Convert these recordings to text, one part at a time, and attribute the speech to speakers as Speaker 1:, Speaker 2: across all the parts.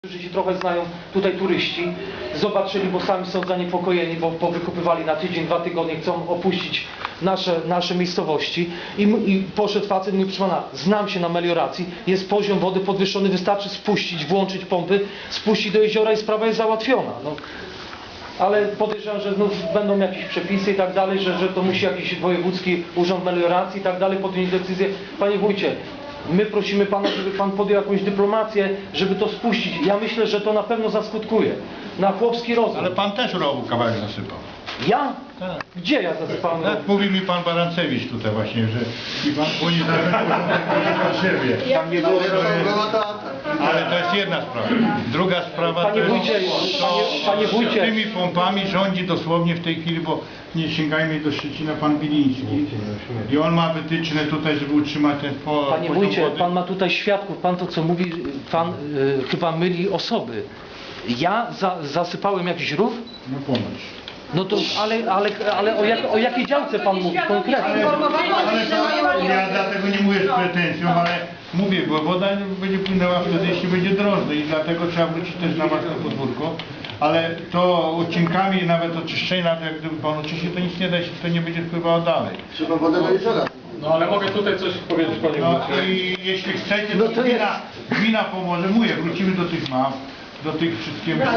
Speaker 1: Którzy się trochę znają, tutaj turyści, zobaczyli, bo sami są zaniepokojeni, bo powykupywali na tydzień, 2 tygodnie, chcą opuścić nasze miejscowości i poszedł facet i mówi, proszę pana, znam się na melioracji, jest poziom wody podwyższony, wystarczy spuścić, włączyć pompy, spuścić do jeziora i sprawa jest załatwiona. No. Ale podejrzewam, że znów będą jakieś przepisy i tak dalej, że to musi jakiś wojewódzki urząd melioracji i tak dalej podjąć decyzję. Panie wójcie, my prosimy pana, żeby pan podjął jakąś dyplomację, żeby to spuścić. Ja myślę, że to na pewno zaskutkuje. Na chłopski rozum.
Speaker 2: Ale pan też rowu kawałek zasypał.
Speaker 1: Ja?
Speaker 2: Tak.
Speaker 1: Gdzie ja zasypałem?
Speaker 2: Tak mówi mi pan Barancewicz tutaj właśnie, że i pan płynie za siebie.
Speaker 1: Tam nie było.
Speaker 2: Ale to jest jedna sprawa. Druga sprawa
Speaker 1: Panie
Speaker 2: to
Speaker 1: wójcie, panie wójcie.
Speaker 2: tymi pompami rządzi dosłownie w tej chwili, bo nie sięgajmy do Szczecina, pan Biliński. I on ma wytyczne tutaj, żeby utrzymać ten
Speaker 1: Panie
Speaker 2: poziom
Speaker 1: wójcie,
Speaker 2: wody.
Speaker 1: pan ma tutaj świadków, pan to co mówi, pan chyba myli osoby. Ja zasypałem jakiś rów?
Speaker 2: No ponoć.
Speaker 1: No to, ale o jakiej działce pan mówi konkretnie?
Speaker 2: Ja dlatego nie mówię z pretensją, ale mówię, bo woda będzie płynęła wtedy, jeśli będzie drożdżej i dlatego trzeba wrócić też na własne podwórko. Ale to odcinkami nawet oczyszczenia, to jak gdyby pan oczyści, to nic nie da, jeśli to nie będzie wpływało dalej.
Speaker 3: Trzeba wodę do jeziora.
Speaker 4: No ale mogę tutaj coś powiedzieć, panie
Speaker 2: No
Speaker 4: wójcie.
Speaker 2: i jeśli chcecie,
Speaker 1: No
Speaker 2: to
Speaker 1: to
Speaker 2: gmina pomoże. Mówię, wrócimy do tych map, do tych wszystkich.
Speaker 3: No,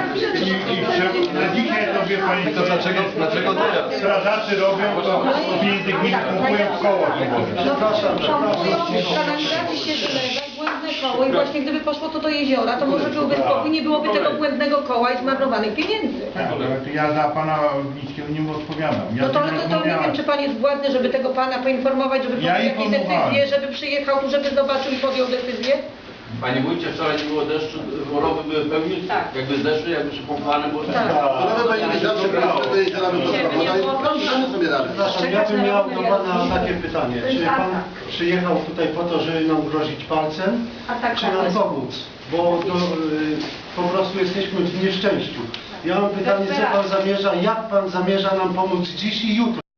Speaker 2: Na dzisiaj to wie pani,
Speaker 4: To dlaczego teraz?
Speaker 2: strażacy robią, to pieniędzy gminy kupują w koło.
Speaker 5: Kanalizacji się zlewa i błędne koło i właśnie gdyby poszło to do jeziora, to może byłby spokój, nie byłoby tego błędnego koła i zmarnowanych pieniędzy.
Speaker 2: Ja za pana Wińskiego nie odpowiadam. Ja
Speaker 5: No to,
Speaker 2: z nim
Speaker 5: to nie
Speaker 2: rozmawiałem.
Speaker 5: wiem, czy pan jest władny, żeby tego pana poinformować, żeby podjął jakieś
Speaker 2: informowałem.
Speaker 5: decyzje, żeby przyjechał tu, żeby zobaczył i podjął decyzję?
Speaker 6: Panie wójcie, wczoraj nie było deszczu, rowy były pełni, jakby zdeszły, jakby przypompowane było.
Speaker 5: Tak.
Speaker 3: Woda będzie zawsze do jeziora wypuszcza woda i damy sobie radę.
Speaker 7: Przepraszam, ja bym miał do pana takie pytanie. Czy pan przyjechał tutaj po to, żeby nam grozić palcem, czy nam pomóc? Bo po prostu jesteśmy w nieszczęściu. Ja mam pytanie, co pan zamierza, jak pan zamierza nam pomóc dziś i jutro?